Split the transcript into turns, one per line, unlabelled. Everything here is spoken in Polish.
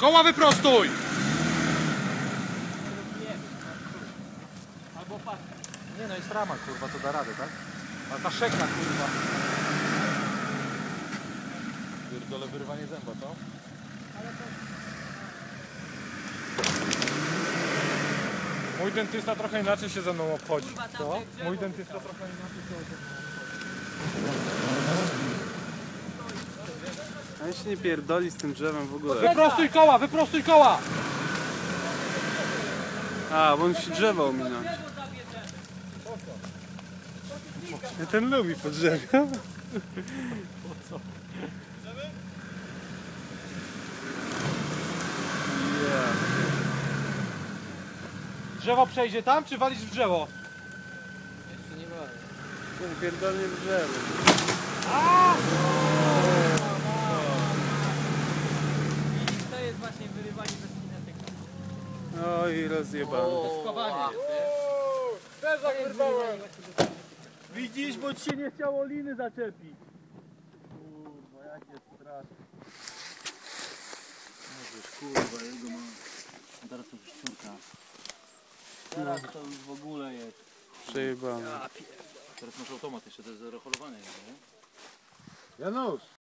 Koła wyprostuj!
Albo paska.
Nie no, jest rama, kurwa, to da radę, tak? Ale ta szeka, kurwa. Pierdolę wyrwanie zęba, co? Mój dentysta trochę inaczej się ze mną obchodzi. Co? Mój dentysta trochę inaczej się ze mną
A ja się nie pierdoli z tym drzewem w ogóle.
Wyprostuj koła, wyprostuj koła!
A, bo on musi drzewo ominąć. Ten lubi po drzewie.
Drzewo przejdzie tam, czy walisz w drzewo?
Jeszcze nie wolno.
Ten pierdolnie w drzewo.
I to jest właśnie wyrywanie bez kinetyka.
Oj, rozjebany.
Spawanie
Widzisz, bo ci się nie chciało liny zaczepić. Kurwa, jakie straszne.
Kurwa, jego mam. Teraz to już szczurka. Teraz to już w ogóle jest.
Przejebany.
Teraz masz automat jeszcze, to jest reholowanie, nie?
Janusz,